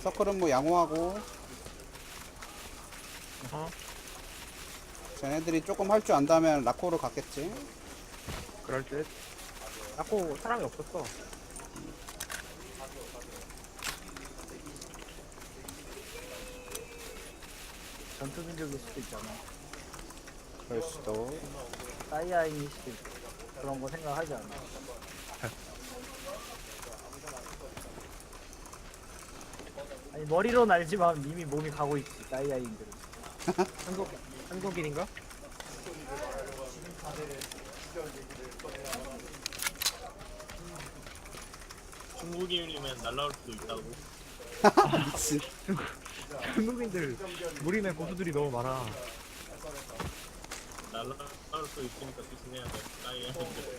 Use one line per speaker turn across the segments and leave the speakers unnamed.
서클은 뭐 양호하고
어허.
쟤네들이 조금 할 줄 안다면 라코로 갔겠지.
그럴 듯. 자꾸 사람이 없었어.
전투 민족일 수도 있잖아.
그럴 수도.
사이아인일 수도 있고. 그런 거 생각하지 않아. 아니, 머리로는 알지만 이미 몸이 가고 있지, 사이아인들은.
한국인인가?
중국인이면 날라올 수도 있다고.
미친.
한국인들 무림의 고수들이 너무 많아.
날라올 수 있으니까 조심해야 돼. 나이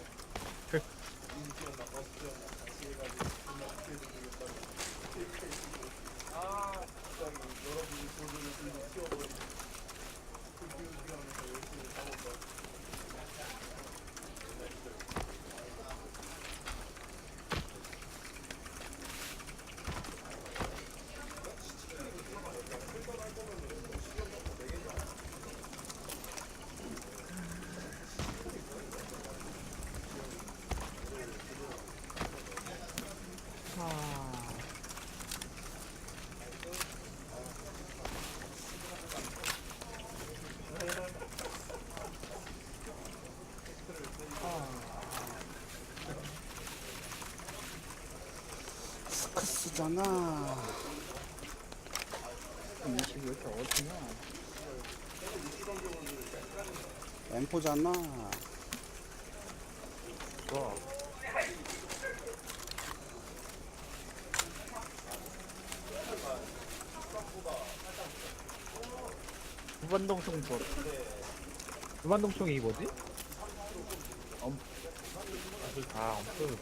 스크스잖아.
20이 왜 이렇게 어디냐?
엠포잖아.
좋아.
무반동총 도
무반동총이 뭐지?
엄.
아, 엄청.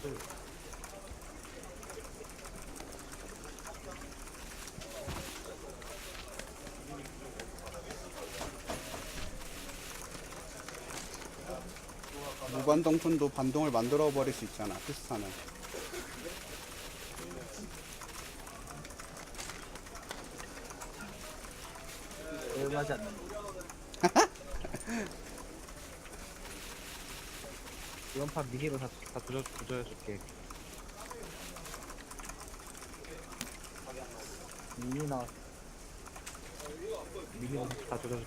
무반동촌도 반동을 만들어 버릴 수 있잖아. 피스타는.
얼마지 않는
이번 판 미니로 다 조져줄게.
이미 나
미니로 다 조져줄게.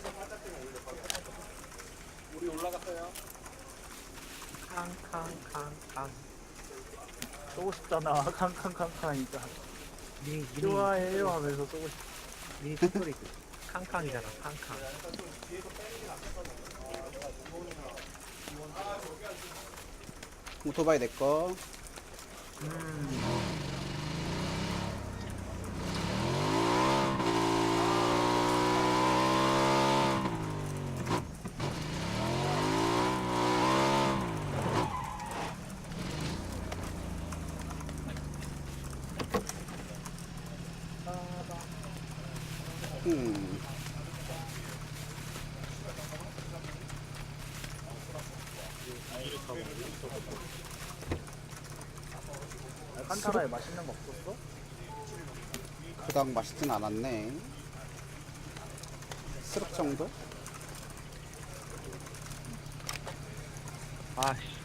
캉캉캉캉.
쏘고 싶잖아. 캉캉캉캉 하니까.
미니
좋아해요 하면서 쏘고 싶.
미니 톡소리 캉캉이잖아. 캉캉.
오토바이 내꺼. 음.
칸타라에 맛있는 거 없었어?
그닥 맛있진 않았네. 스륵 정도?
아씨.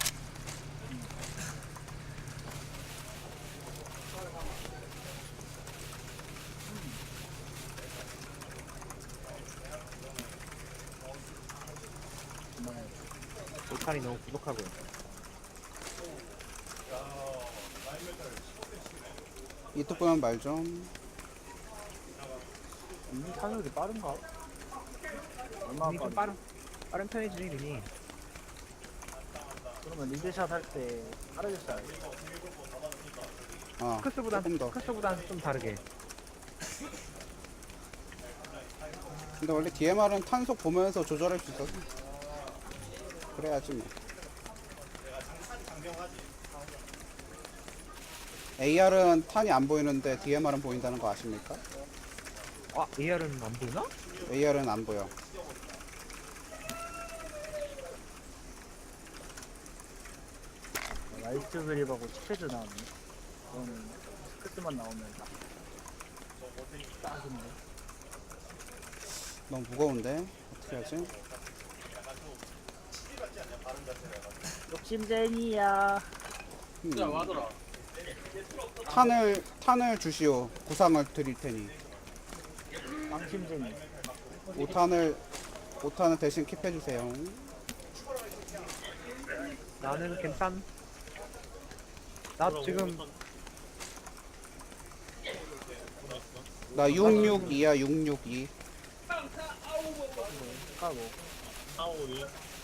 돌판이 너무 부족하고요.
이쪽 보면 말 좀.
이미 탄속이 빠른가? 얼마나
미니 좀
빠른지?
빠른 편이지 미니.
그러면 리드샷 할 때 빠르게 쏴야 돼.
어. 조금 더.
스크스보단 좀 다르게.
근데 원래 DMR은 탄속 보면서 조절할 수 있어서. 그래야지 뭐. AR은 탄이 안 보이는데 DMR은 보인다는 거 아십니까?
아, AR은 안 보이나?
AR은 안 보여.
라이트 그립하고 치패드 나왔네. 그거는 끝만 나오면 딱인데.
너무 무거운데 어떻게 하지?
욕심쟁이야.
탄을 주시오. 구상을 드릴 테니.
망심쟁이.
5탄을 대신 킵해 주세요.
나는 괜찮. 나 지금
나 662야 662.
까고.
452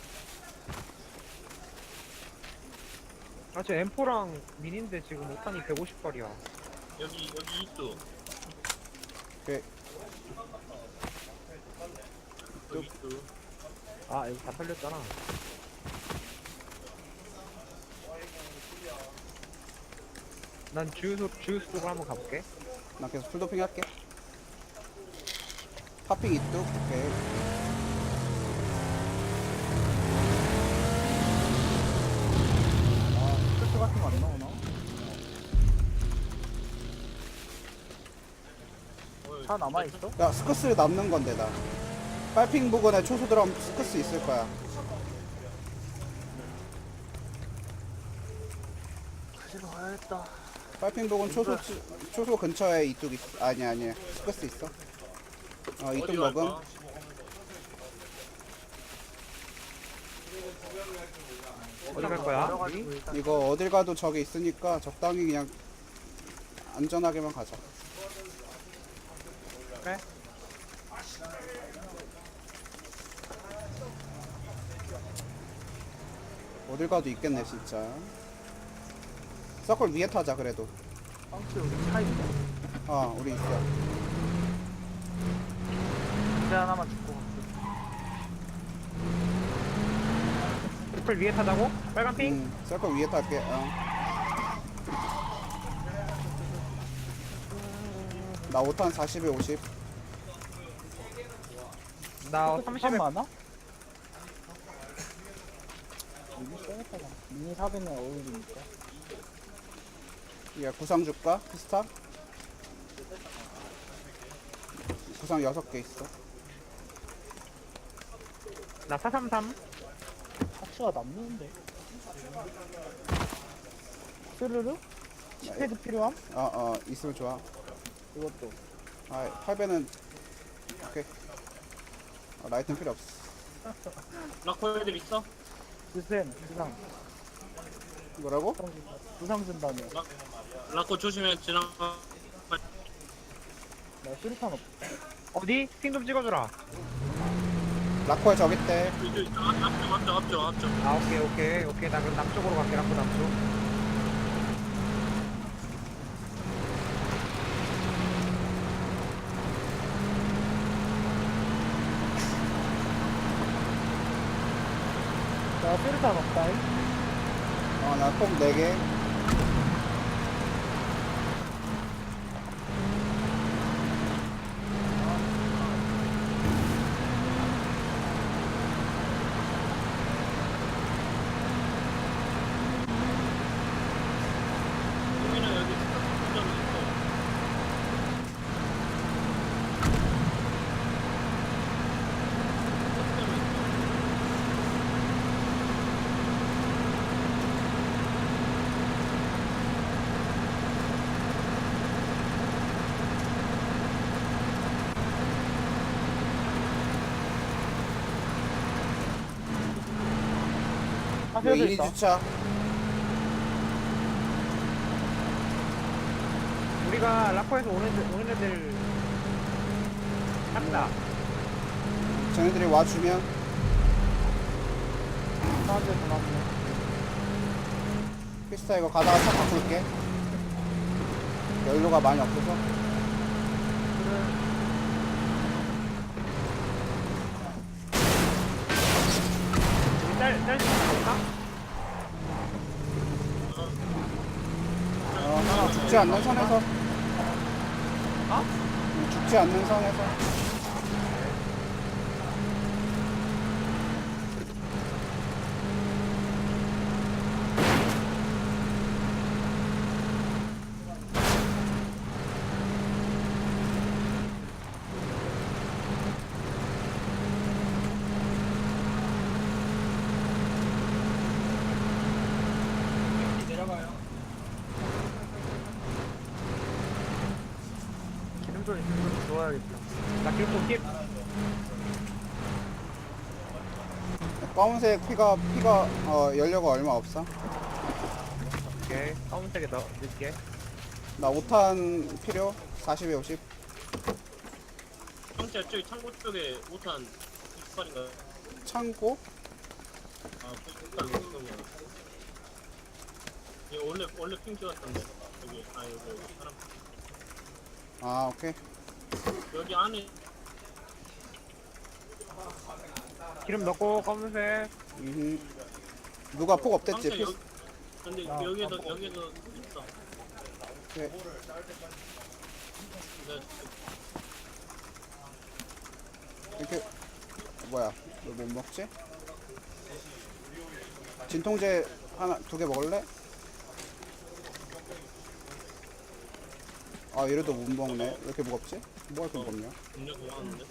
저 M4랑 미니인데 지금 5탄이 150발이야.
여기 이수
오케이.
여기 이수
아 이거 다 살렸잖아. 난 주유소 쪽으로 한번 가볼게.
나 계속 풀도핑 할게. 파핑 이뚝. 오케이.
스크스 같은 거 안 나오나? 차 남아있어?
야 스커스 남는 건데 나. 빨핑 부근에 초소 들어가면 스커스 있을 거야.
가지러 가야겠다.
빨핑 부근 초소 근처에 이뚝 있어. 아니야 스커스 있어. 이뚝
어디
먹음.
갈까?
어디 갈 거야?
내려가지고 일단
이거 어딜 가도 저기 있으니까 적당히 그냥 안전하게만 가자.
그래?
어딜 가도 있겠네 진짜. 서클 위에 타자 그래도.
빵치 여기 차 있네.
우리 있어.
이제 하나만 죽고 갈게.
풀 위에 타자고? 빨간 핑?
서클 위에 탈게. 나 5탄 40에 50.
나
한
30에
많아? 미니 써야겠다. 미니 사변에 어울리니까.
야 구상 줄까? 피스타? 구상 6개 있어.
나 433.
파츠가 남는데. 스르르? 시패드 필요함?
있으면 좋아.
이것도.
8배는 오케이. 라이트는 필요 없어.
라코 애들 있어?
드센, 부상.
뭐라고?
부상 준다며.
라코 조심해 지나가.
나 수류탄 없어.
어디? 핑 좀 찍어주라.
라코에 저기 있대.
앞쪽
아 오케이. 나 그럼 남쪽으로 갈게. 라코 남쪽.
나 수류탄 없다.
나폭 4개.
여기는 여기 스타트점이 있어.
여기
하셔도
1위
있다.
주차.
우리가 라코에서 오는 애들 한다.
쟤네들이 와주면
사람들 고맙네.
피스타 이거 가다가 차 바꿀게. 연료가 많이 없어서.
우리 짤수 있나?
죽지 않는 선에서.
어?
죽지 않는 선에서.
충전이 좋아야겠다.
나 길고 킵.
검은색 피가 연료가 얼마 없어.
오케이. 검은색에 넣을게.
나 5탄 필요. 40에 50.
형제 저기 창고 쪽에 5탄 28인가?
창고.
아, 98 넘는 거. 이거 원래 핑 찍었던데. 여기 여기 사람
아 오케이.
여기 안에
기름 넣고 검은색.
누가 폭 없댔지?
형제 여기 근데 여기도 있어.
오케이.
네,
이렇게 뭐야? 너 못 먹지? 진통제 하나 2개 먹을래? 아 이래도 못 먹네. 왜 이렇게 무겁지? 뭐가 이렇게 무겁냐?
음료 고마웠는데.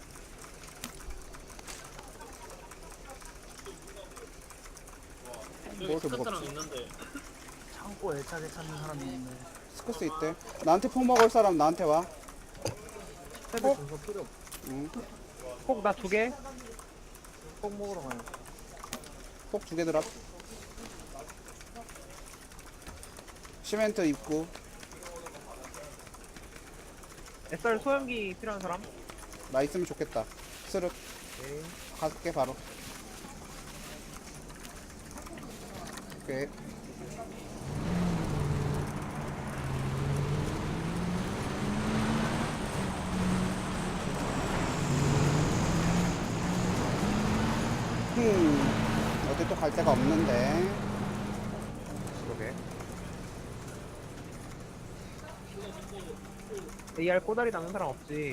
뭐
여기
이렇게
스카트랑
무겁지?
있는데
창고 애착에 찾는 사람이 있네.
스커스 있대. 나한테 폭 먹을 사람 나한테 와.
스텝을 준거 필요 없어.
응.
꼭 나 2개.
꼭 먹으러 가요.
폭 2개 드랍. 시멘트 입구.
SR 소형기 필요한 사람?
나 있으면 좋겠다. 스륵.
오케이.
갈게 바로. 오케이. 어디 또 갈 데가 없는데.
그러게. AR 꼬다리 남는 사람 없지.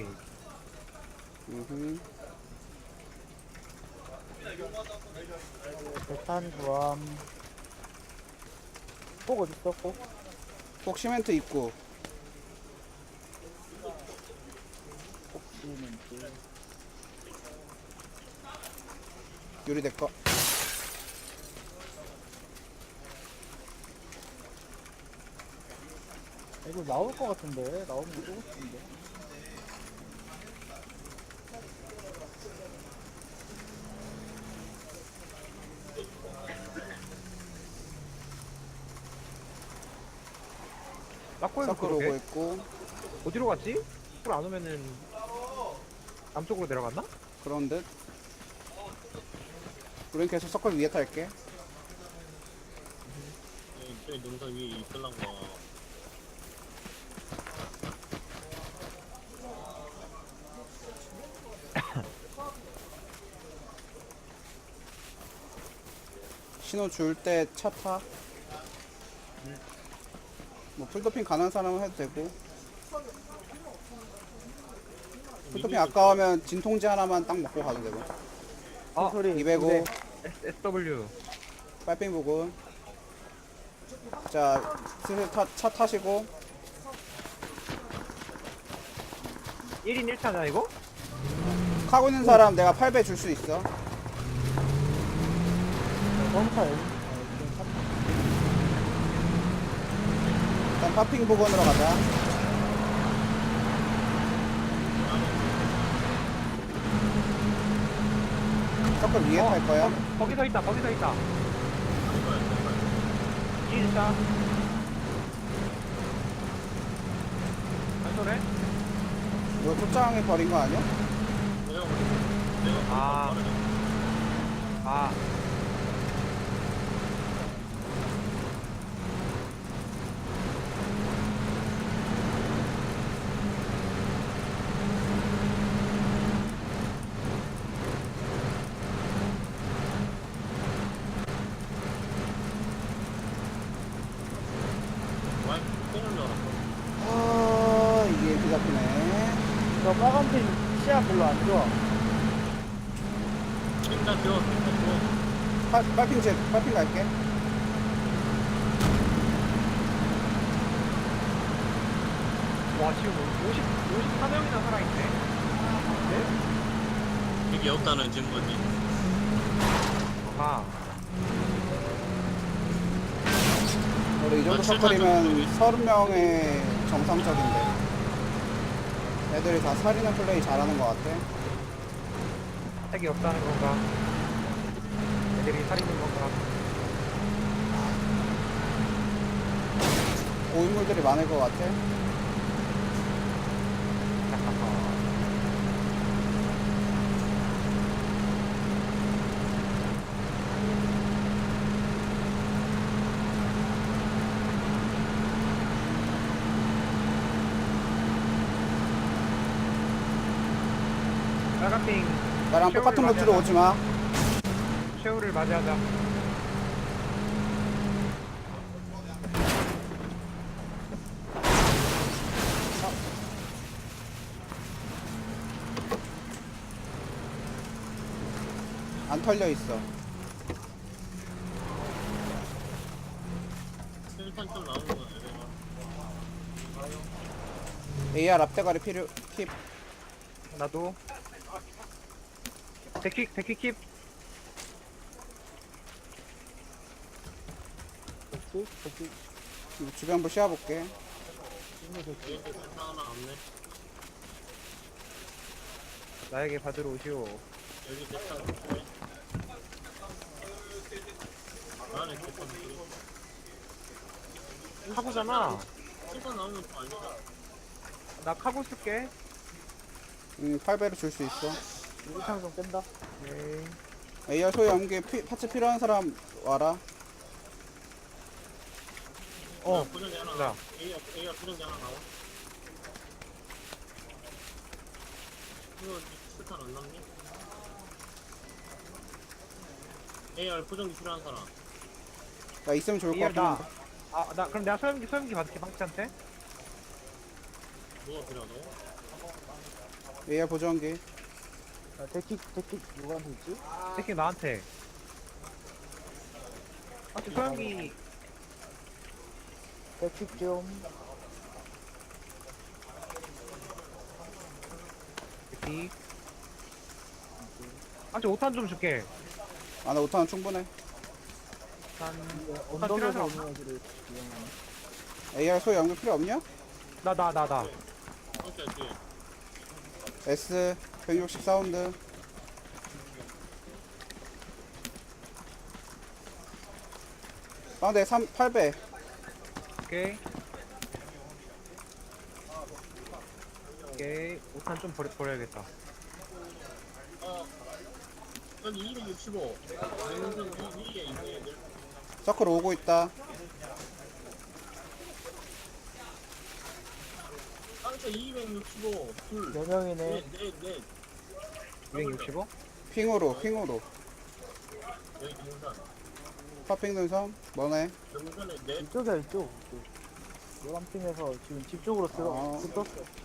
대탄 조함. 꼭 어딨어? 꼭?
꼭 시멘트 입구.
시멘트.
유리 내꺼.
이거 나올 것 같은데? 나오면 쏘고 싶은데.
라코에서
서클 오고
그러게.
있고.
어디로 갔지? 풀안 오면은 남쪽으로 내려갔나?
그런 듯. 우린 계속 서클 위에 탈게.
저기 능선 위에 있을란 거.
신호 줄 때 차 타. 뭐 풀도핑 가는 사람은 해도 되고. 풀도핑 아까우면 진통제 하나만 딱 먹고 가도 되고.
아,
소리.
205
SW.
빨핑 부분. 자, 슬슬 차 타시고.
1인 1차냐 이거?
가고 있는 사람 내가 8배 줄 수 있어.
검사
일단 파핑 부분으로 가자. 서클 위에 탈 거야.
거기 서 있다. 거기 서 있다. 1차. 안 쏘네?
이거 초장에 버린 거 아니야?
아. 아.
와이 뽕을 넣었어.
아, 이게 비 잡히네.
저 빨간 핀 시야 별로 안 좋아.
핑다 줘, 핑다 줘.
빨핑 갈게.
와 지금 54명이나 살아있네. 네?
이게 없다는 증거지.
아.
우리 이 정도 서클이면 30명의 정상적인데. 애들이 다 살리는 플레이 잘하는 것 같아.
핵이 없다는 건가? 애들이 살리는 건가?
고인물들이 많을 것 같아.
빨간핑
나랑 똑같은 루트로 오지 마.
쉐우를 맞이하자.
안 털려 있어.
실탄 좀 나오는 거야 얘가.
AR 앞대가리 필요 킵.
나도. 데킥 킵.
주변부 씌워볼게.
얘들 실탄 하나 없네.
나에게 받으러 오시오.
여기 실탄 없네. 안에 실탄 없네.
카고잖아.
실탄 나오면 또 아니다.
나 카고 쓸게.
8배로 줄 수 있어.
유리창 좀 깬다.
네.
AR 소유 연계 파츠 필요한 사람 와라.
포장기 하나
나.
나와. AR 포장기 하나 나와. 이거 실탄 안 남니? AR 포장기 필요한 사람.
나 있으면 좋을 것
AR
같긴
나.
한데.
아, 나 그럼 내가 소염기 받을게 방치한테.
뭐가 필요하다고?
AR 보정기.
데킥 누구한테 있지?
데킥 나한테. 아, 소염기
데킥 좀.
데킥. 아, 5탄 좀 줄게.
아, 나 5탄은 충분해.
언덕에서 오는 애들을 이용하네.
AR 소유 연계 필요 없냐?
나.
오케이 뒤에.
S 160 사운드. 빵대 8배.
오케이. 오케이. 5탄 좀 버려야겠다.
여기 265. 냉동 위에 있는 애들.
서클 오고 있다.
상체 265. 둘.
4명이네.
넷.
265?
핑으로.
여기 등산.
파핑 능선. 뭐네?
등산에 넷.
이쪽이야 이쪽. 노란핑에서 지금 집 쪽으로
아.
떴어.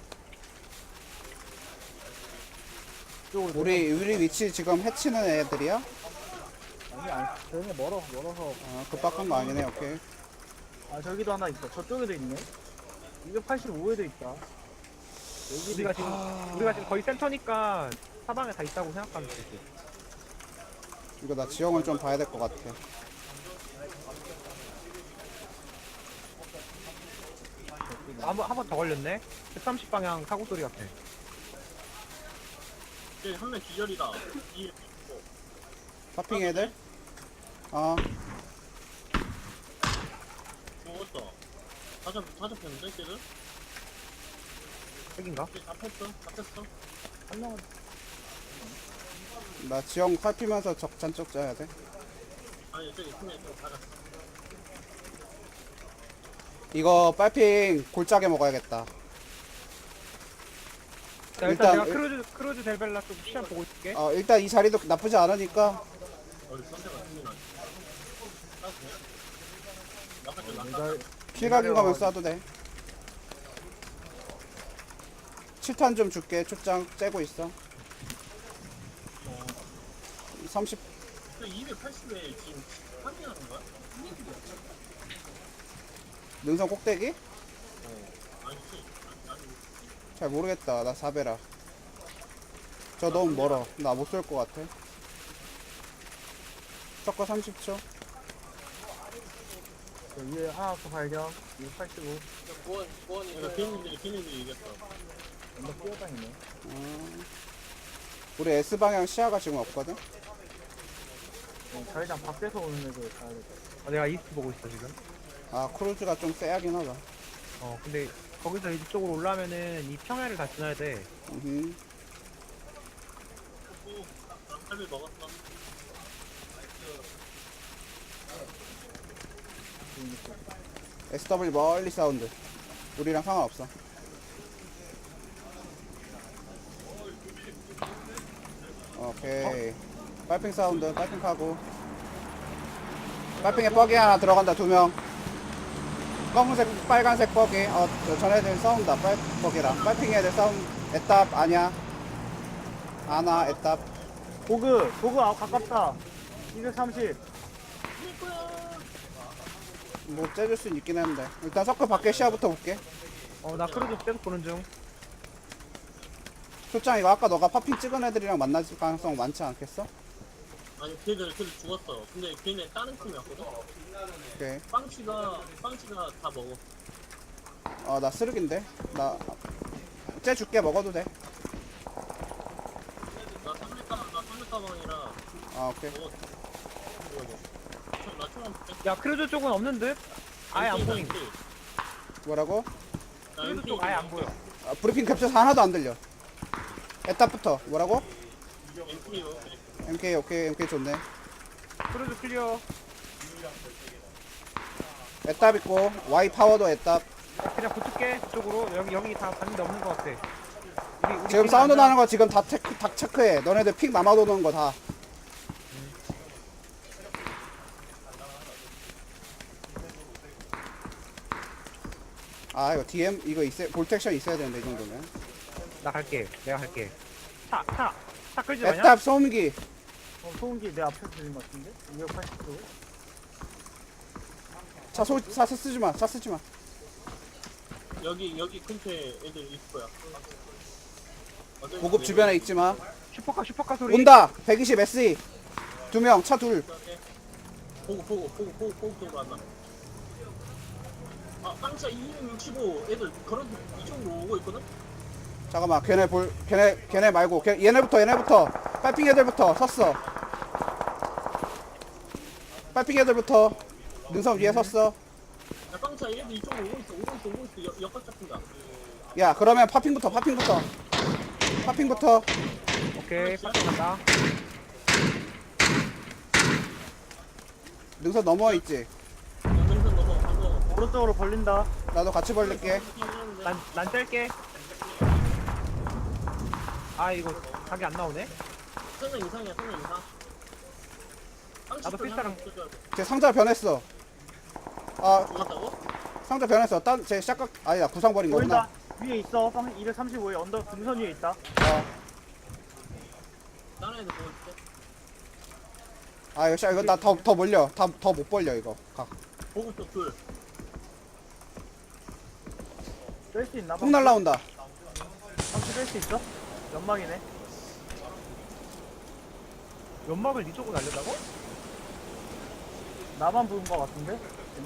이쪽으로
우리 위치 지금 해치는 애들이야?
아니 쟤네 멀어서.
아, 급박한 거 아니네. 오케이.
아 저기도 하나 있어. 저쪽에도 있네. 285에도 있다.
우리가 지금 거의 센터니까 사방에 다 있다고 생각하면 되지.
이거 나 지형을 좀 봐야 될 것 같아.
한 번 더 걸렸네. 130 방향 사고 소리 같아.
저기 한명 기절이다. 265.
파핑 애들? 아,
죽었어. 다 잡혔는데 걔들?
핵인가?
걔 잡혔어.
한 명은
나 지형 살피면서 적잔쪽 짜야 돼.
아니 저기 팀에 좀 가졌어.
이거 빨핑 골짜기 먹어야겠다.
자,
일단-
내가 크루즈 델벨라 쪽 시간 보고 있을게.
일단 이 자리도 나쁘지 않으니까.
어디 선택가 힘이 나지. 나갔죠.
이걸
킬각인 거면 쏴도 돼. 7탄 좀 줄게. 출장 째고 있어. 30.
그 280에 지금 파밍하는 거야?
능선 꼭대기?
아니지. 아니.
잘 모르겠다. 나 4배라. 저 너무 멀어. 나 못 쏠 것 같아. 서커 30초.
위에 하나 더 발견. 285.
그러니까 비행기들이 이겼어.
언덕 뛰어다니네.
우리 S방향 시야가 지금 없거든?
자회장 밖에서 오는 애들 가야 될 것 같아.
내가 이스트 보고 있어 지금.
아 크루즈가 좀 세야긴 하다.
근데 거기서 이쪽으로 올라면은 이 평야를 다 지나야 돼.
살을 먹었어.
SW 멀리 사운드. 우리랑 상관없어. 오케이. 빨핑 사운드, 빨핑 하고. 빨핑에 뻐기 하나 들어간다, 2명. 검은색, 빨간색 뻐기. 전애들 싸운다, 뻐기랑. 빨핑 애들 싸움. 애답, 아니야. 아나, 애답.
보그 가깝다. 230.
뭐, 째줄 수는 있긴 했는데. 일단 서클 밖에 시야부터 볼게.
나 크루즈 계속 보는 중.
초짱, 이거 아까 너가 파핑 찍은 애들이랑 만날 가능성 많지 않겠어?
아니 걔들 죽었어. 근데 걔네 다른 팀이었거든.
오케이.
빵치가 다 먹어.
나 쓰레기인데? 째 줄게, 먹어도 돼.
나 300 가방이라
오케이.
먹었어. 나 처음
야 크루즈 쪽은 없는 듯? 아예 안 보임.
뭐라고?
크루즈 쪽 아예 안 보여.
브리핑 캡처서 하나도 안 들려. 에탑부터. 뭐라고?
엔트리요.
MK, 오케이. MK 좋네.
크루즈 클리어.
에탑 있고, Y 파워도 에탑.
그냥 붙을게 그쪽으로. 여기 다 봤는데 없는 것 같아. 우리
지금
팀
사운드
간다.
나는 거 지금 다 체크해. 너네들 픽 남아도는 거 다. 이거 DM, 이거 볼텍션 있어야 되는데, 이 정도면.
나 갈게. 내가 갈게. 차 끌지 마냐?
에탑 소음기.
소음기 내 앞에서 들린 것 같은데? 280도.
차 쓰지 마. 차 쓰지 마.
여기 근처에 애들 있을 거야.
보급 주변에 있지 마.
슈퍼카 소리.
온다. 120 SE. 2명, 차 둘.
보고 쪽으로 한다. 빵차 265 애들 그런 이쪽으로 오고 있거든.
잠깐만. 걔네 말고. 얘네부터. 빨핑 애들부터 섰어. 빨핑 애들부터. 능선 위에 섰어.
야 빵차 얘들 이쪽으로 오고 있어. 역각 잡힌다.
야, 그러면 파핑부터.
오케이 파트 간다.
능선 넘어 있지.
능선 넘어.
오른쪽으로 벌린다.
나도 같이 벌릴게.
난 뗄게. 이거 각이 안 나오네.
3명 이상이야.
나도 필사랑
제 상자 변했어.
죽었다고?
상자 변했어. 제 샷각 아니다. 구상 버린 거구나.
보인다. 위에 있어. 235에 언덕 등선 위에 있다.
다른 애들 보고 있을게.
이거 나 더 몰려. 더 못 벌려 이거.
보고 쪽 둘.
뺄 수 있나?
폭 날라온다.
방치 뺄수 있어? 연막이네.
연막을 이쪽으로 날린다고?
나만 부은 것 같은데? 걔네?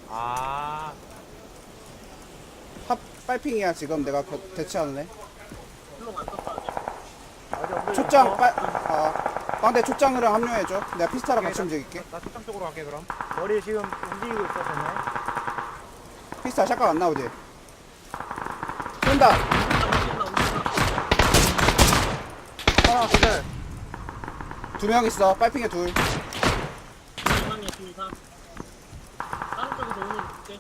빨핑이야 지금 내가 대체하는 애.
플롱 안 떴다 아직.
아직 언덕에
초짱
있어.
빵대 초짱이랑 합류해줘. 내가 피스타랑 같이
오케이,
움직일게.
나 초장 쪽으로 갈게 그럼.
머리 지금 움직이고 있어, 쟤네.
피스타 샷각 안 나오지? 쏜다.
하나, 둘.
2명 있어. 빨핑에 둘.
이상이야 둘 이상. 다른 쪽에서 오는 줄게.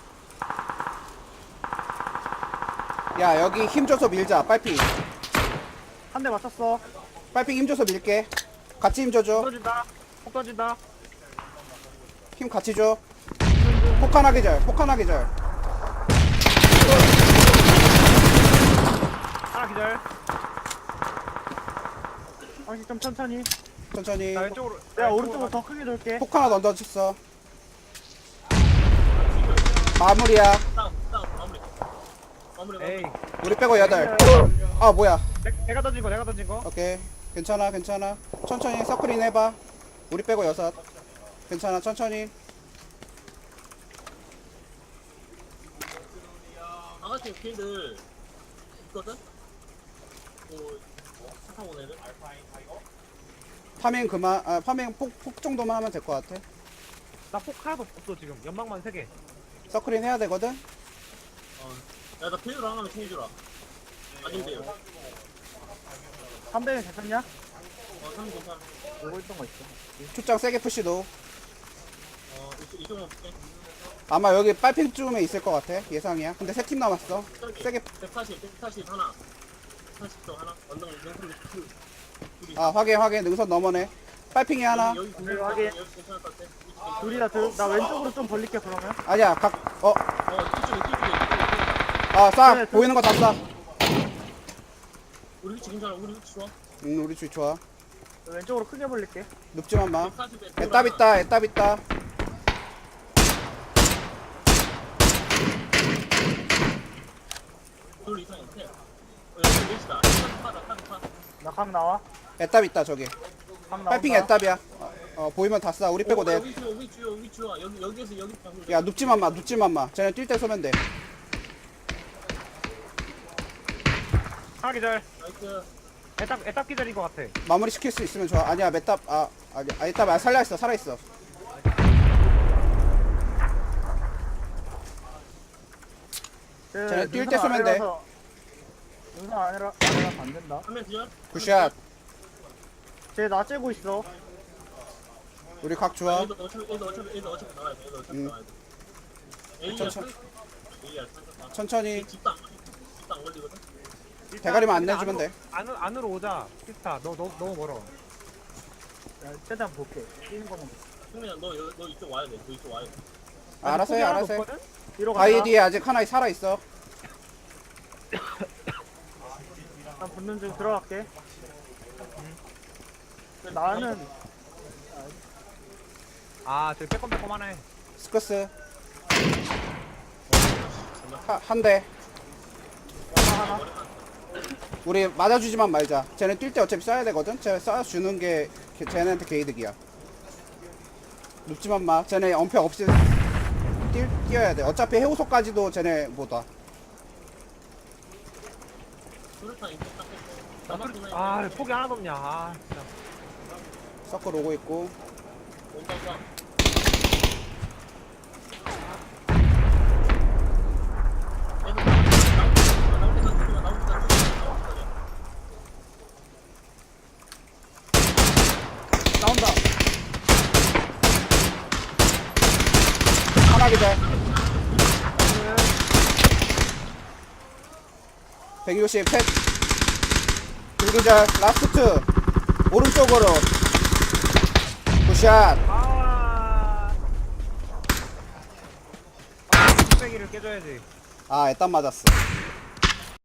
야, 여기 힘 줘서 밀자. 빨핑.
한 대 맞췄어.
빨핑 힘 줘서 밀게. 같이 힘 줘줘.
폭 던진다.
힘 같이 줘. 폭하나 기절.
하나 기절.
방식 좀 천천히.
천천히.
나 왼쪽으로.
내가 오른쪽으로 더 크게 돌게.
폭 하나 던져줬어. 마무리야.
다운 마무리.
에이.
우리 빼고 8. 뭐야.
내가 던진 거.
오케이. 괜찮아. 천천히 서클인 해봐. 우리 빼고 6. 괜찮아. 천천히.
아가씨 걔들 있거든. 차 타고 오는 애들?
파밍 그만 파밍 폭 정도만 하면 될 것 같아.
나 폭 하나도 없어 지금. 연막만 3개.
서클인 해야 되거든.
야, 나 페이로 하나만 챙겨주라. 아닌데요.
300은 괜찮냐?
사람 괜찮아.
보고 있던 거 있어.
축장 세게 푸시도.
이쪽만 볼게.
아마 여기 빨핑쯤에 있을 것 같아. 예상이야. 근데 3팀 남았어. 세게
140 하나. 140도 하나. 언덕 능선
아 확인 능선 넘어네. 빨핑이 하나.
여기
확인.
여기 괜찮을 것 같아.
둘이다 둘. 나 왼쪽으로 좀 벌릴게 그러면.
아니야
이쪽에.
쏴
네,
보이는 거 다 쏴.
우리 위치 괜찮아. 우리 위치 좋아.
우리 주위 좋아.
왼쪽으로 크게 벌릴게.
눕지만 마.
140에
애답 있다.
둘 이상 있대. 여기 위치다. 파.
나 강 나와.
애답 있다 저기.
강 나온다.
빨핑 애답이야. 보이면 다 쏴. 우리 빼고 내.
위치 좋아. 여기에서 여기 봐.
야 눕지만 마. 쟤네 뛸 때 쏘면 돼.
하나 기절.
나이스.
애답 기절인 것 같아.
마무리 시킬 수 있으면 좋아. 아니야 애답 애답 살아 있어. 쟤네 뛸때 쏘면 돼.
능선 아니라 안 된다.
한명 뒤져.
굿샷.
쟤나 째고 있어.
우리 각 좋아.
얘도 어차피 나와야 돼. 얘도 어차피 나와야 돼. A야
천천히.
A야
천천히
집도 안 걸리거든.
대가리만 안 내주면 돼.
안으로 오자. 피스타. 너 너무 멀어.
야, 최대한 볼게. 뛰는 거만.
승민아 너 이쪽 와야 돼. 너 이쪽 와야 돼.
알아서 해.
뒤로
바위
가자.
뒤에 아직 하나 살아 있어.
난 붙는 중 들어갈게. 나는
저기 빼꼼빼꼼하네.
스커스. 한 대.
하나.
우리 맞아주지만 말자. 쟤네 뛸 때 어차피 쏴야 되거든. 쟤네 쏴주는 게 쟤네한테 개이득이야. 눕지만 마. 쟤네 엄폐 없이 뛰어야 돼. 어차피 해우소까지도 쟤네 못 와.
수류탄 이쪽 딱 했어.
폭이 하나도 없냐. 진짜.
서클 오고 있고.
온다.
나온다.
하나 기절. 160 셋. 둘기절. 라스트. 오른쪽으로. 굿샷.
뚝배기를 깨줘야지.
애땀 맞았어.